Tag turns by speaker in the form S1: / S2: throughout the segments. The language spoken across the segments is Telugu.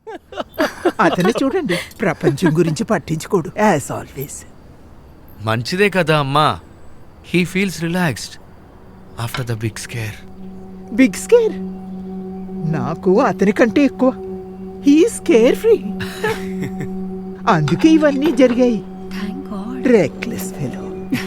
S1: అతను చూడండి, ప్రపంచం గురించి పట్టించుకోడు యాజ్ ఆల్వేస్.
S2: మంచిదే కదా అమ్మా. He feels relaxed after the big scare.
S1: Big scare నాకు అతని కంటే ఎక్కువ. He's carefree. అందుకే ఇవన్నీ జరిగాయి.
S3: Thank God.
S1: Reckless fellow.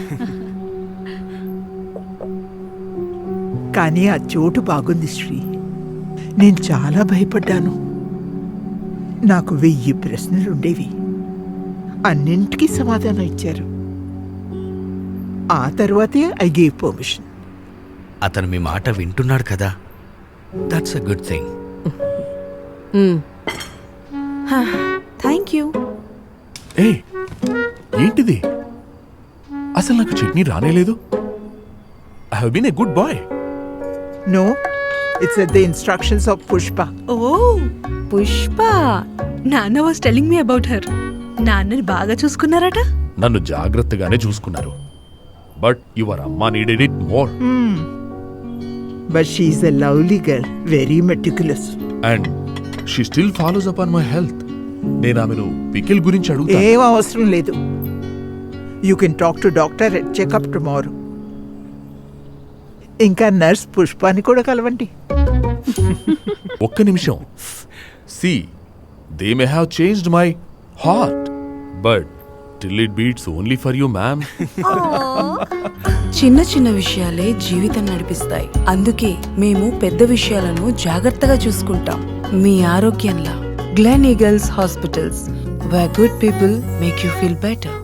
S1: కానీ ఆ చోటు బాగుంది శ్రీ. నేను చాలా భయపడ్డాను. నాకు 1000 ప్రశ్నలుండేవి. అన్నింటికీ సమాధానం ఇచ్చారు. ఆ తర్వాతే ఐ గేవ్ పర్మిషన్.
S2: అతను మీ మాట వింటున్నాడు కదా, that's a good thing.
S3: Thank you.
S4: ఏ ఏంటిది? అసలు నాకు చట్నీ రానేలేదు. I have been a good boy.
S1: No, it's the instructions of Pushpa.
S3: Oh Pushpa. నాన్న was telling me about her. నాన్నని బాగా చూసుకున్నారట.
S4: నన్ను జాగ్రత్తగానే చూసుకున్నారు. బట్ యువర్ అమ్మ needed it more.
S1: But she's a lovely girl, very meticulous.
S4: And she still follows up on my health. నేను ఆమెను పికిల్ గురించి అడుగుతా.
S1: ఏం అవసరం లేదు. You can talk to doctor at checkup tomorrow. ఇంకా నర్స్ పుష్పాని కూడా కలవండి.
S4: ఒక్క నిమిషం. See, they may have changed my heart, but still it beats only for you, ma'am.
S3: చిన్న చిన్న విషయాలే జీవితం నడిపిస్తాయి. అందుకే మేము పెద్ద విషయాలను జాగ్రత్తగా చూసుకుంటాం. మీ ఆరోగ్యంలా Gleneagles hospitals, where good people make you feel better.